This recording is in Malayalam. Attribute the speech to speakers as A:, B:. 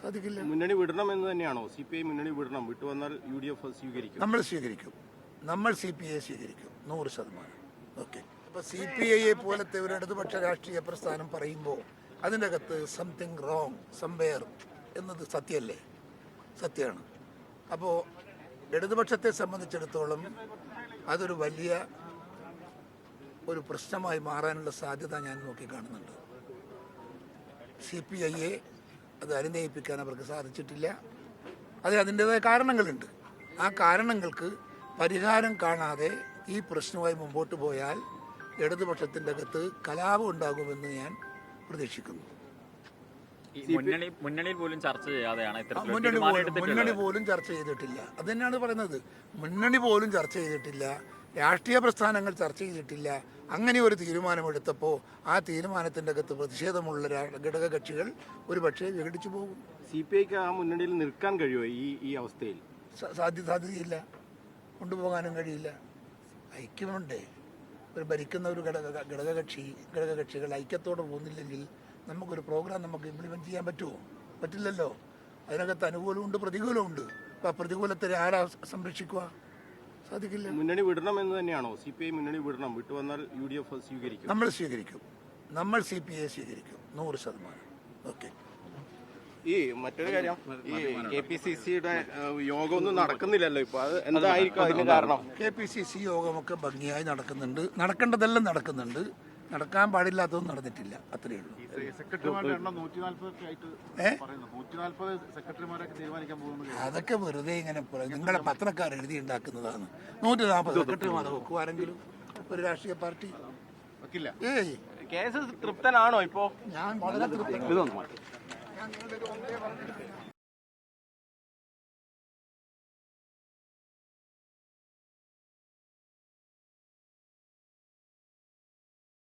A: സാധിക്കില്ല.
B: മുന്നണി വിടണം എന്ന് തന്നെയാണോ? CPI മുന്നണി വിടണം, വിട്ടുവന്നാൽ UDF സ്വീകരിക്കും.
A: നമ്മൾ സ്വീകരിക്കും. നമ്മൾ CPI സ്വീകരിക്കും 100%. ഓക്കെ. അപ്പോൾ CPIയെ പോലത്തെ ഒരു ഇടതുപക്ഷ രാഷ്ട്രീയ പ്രസ്ഥാനം പറയുമ്പോൾ അതിൻ്റെ അകത്ത് സംതിങ് റോങ് സംവെയർ എന്നത് സത്യമല്ലേ? സത്യമാണ്. അപ്പോൾ ഇടതുപക്ഷത്തെ സംബന്ധിച്ചിടത്തോളം അതൊരു വലിയ ഒരു പ്രശ്നമായി മാറാനുള്ള സാധ്യത ഞാൻ നോക്കിക്കാണുന്നുണ്ട്. CPIയെ അത് അനുനയിപ്പിക്കാൻ അവർക്ക് സാധിച്ചിട്ടില്ല. അതിൻ്റെതായ കാരണങ്ങളുണ്ട്. ആ കാരണങ്ങൾക്ക് പരിഹാരം കാണാതെ ഈ പ്രശ്നവുമായി മുമ്പോട്ട് പോയാൽ ഇടതുപക്ഷത്തിൻ്റെ അകത്ത് കലാപം ഉണ്ടാകുമെന്ന് ഞാൻ പ്രതീക്ഷിക്കുന്നു.
C: മുന്നണിയിൽ പോലും ചർച്ച ചെയ്യാതെയാണ്
A: മുന്നണി പോലും ചർച്ച ചെയ്തിട്ടില്ല. അത് തന്നെയാണ് പറയുന്നത്. മുന്നണി പോലും ചർച്ച ചെയ്തിട്ടില്ല, രാഷ്ട്രീയ പ്രസ്ഥാനങ്ങൾ ചർച്ച ചെയ്തിട്ടില്ല. അങ്ങനെ ഒരു തീരുമാനമെടുത്തപ്പോൾ ആ തീരുമാനത്തിൻ്റെ അകത്ത് പ്രതിഷേധമുള്ള ഘടകകക്ഷികൾ ഒരു പക്ഷേ വിഘടിച്ചു പോകും.
B: CPIക്ക് ആ മുന്നണിയിൽ നിൽക്കാൻ കഴിയുമോ ഈ അവസ്ഥയിൽ?
A: സാധ്യതയില്ല, കൊണ്ടുപോകാനും കഴിയില്ല. ഐക്യമുണ്ടേ. ഒരു ഭരിക്കുന്ന ഒരു ഘടകകക്ഷികൾ ഐക്യത്തോടെ പോകുന്നില്ലെങ്കിൽ നമുക്കൊരു പ്രോഗ്രാം നമുക്ക് ഇംപ്ലിമെൻറ്റ് ചെയ്യാൻ പറ്റുമോ? പറ്റില്ലല്ലോ. അതിനകത്ത് അനുകൂലമുണ്ട്, പ്രതികൂലമുണ്ട്. അപ്പോൾ ആ പ്രതികൂലത്തെ ആരാ സംരക്ഷിക്കുക? സാധിക്കില്ല.
B: മുന്നണി വിടണം എന്ന് തന്നെയാണോ? CPI മുന്നണി വിടണം, വിട്ടുവന്നാൽ UDF സ്വീകരിക്കും.
A: നമ്മൾ സ്വീകരിക്കും. നമ്മൾ CPI സ്വീകരിക്കും 100%. ഓക്കെ.
B: ഈ മറ്റൊരു കാര്യം, ഈ KPCCയുടെ യോഗമൊന്നും നടക്കുന്നില്ലല്ലോ ഇപ്പോൾ. അത് എന്തായിരിക്കും അതിന് കാരണം?
A: KPCC യോഗമൊക്കെ ഭംഗിയായി നടക്കുന്നുണ്ട്. നടക്കേണ്ടതെല്ലാം നടക്കുന്നുണ്ട്. നടക്കാൻ പാടില്ലാത്തതൊന്നും നടന്നിട്ടില്ല. അത്രയേ ഉള്ളൂ. അതൊക്കെ വെറുതെ ഇങ്ങനെ നിങ്ങളെ പത്രക്കാർ എഴുതി ഉണ്ടാക്കുന്നതാണ്. 140 സെക്രട്ടറിമാരെ വെക്കും ആരെങ്കിലും ഒരു രാഷ്ട്രീയ പാർട്ടി?
B: കേസ് തൃപ്തനാണോ ഇപ്പോ?
A: ഞാൻ വളരെ തൃപ്തനാണ്.